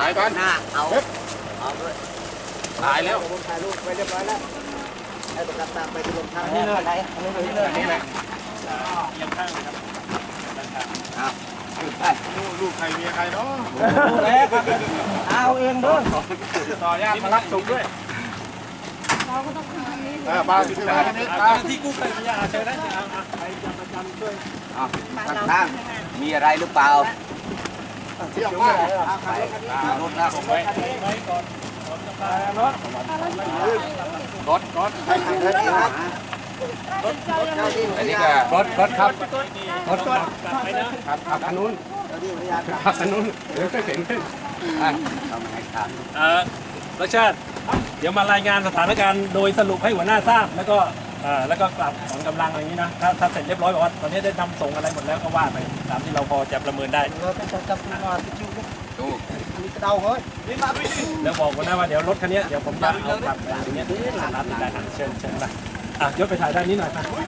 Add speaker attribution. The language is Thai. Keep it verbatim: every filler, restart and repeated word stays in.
Speaker 1: ายก่อน
Speaker 2: หน้าเอาเอาด้วย
Speaker 1: ตายแล้ว
Speaker 2: ผมถ่ายรูปไปเรียบร้อยแล้วให้ประกันตามไปที่โรงพักนี่เลย
Speaker 1: นี่แหละ
Speaker 3: ยังข้างเลยครับ
Speaker 2: เอาไป
Speaker 1: ลูกใครเมียใครเนาะ
Speaker 2: เอาเองด้วย
Speaker 1: ต่อญาติมารับส่งด้วย
Speaker 4: เราก็ต้องทำทางนี้
Speaker 1: เออปลาอยู่ที่ไหนนี่ปลา
Speaker 3: ที่กู้ภัยพยาเชิญนะใครจะประจำด้วย
Speaker 2: เอาข้างมีอะไรหรือเปล่า
Speaker 1: เที่ยวมาก
Speaker 2: ไปรถนะ
Speaker 1: ส่งไว้
Speaker 3: ไว้ก่อนก่อนจะพารถ
Speaker 1: รถรถ
Speaker 2: อันนี้ก็
Speaker 1: รถรถครับ
Speaker 3: รถกลับไปนะ
Speaker 1: ครับขับทางนู้นขับทางนู้นเดี๋ยวก็เข็นขึ้น
Speaker 2: ทำให้ขาด
Speaker 3: เออรัชชาติเดี๋ยวมารายงานสถานการณ์โดยสรุปให้หัวหน้าทราบแล้วก็เอ่อแล้วก็กลับของกำลังอะไรอย่างนี้นะถ้าถ้าเสร็จเรียบร้อยบอกว่าตอนนี้ได้นำส่งอะไรหมดแล้วก็ว่าไปตามที่เราพอจะประเมินได้
Speaker 2: เราต้องจับตัวมาที่ชูดูมีกระเดาเฮ้ย
Speaker 3: แล้วบอกหัวหน้าว่าเดี๋ยวรถคันนี้เดี๋ยวผมจะเอากลับไปอย่างเงี้ยร้านได้เชิญเชิญไปอ่ะยศไปถ่ายด้านนี้หน่อยไป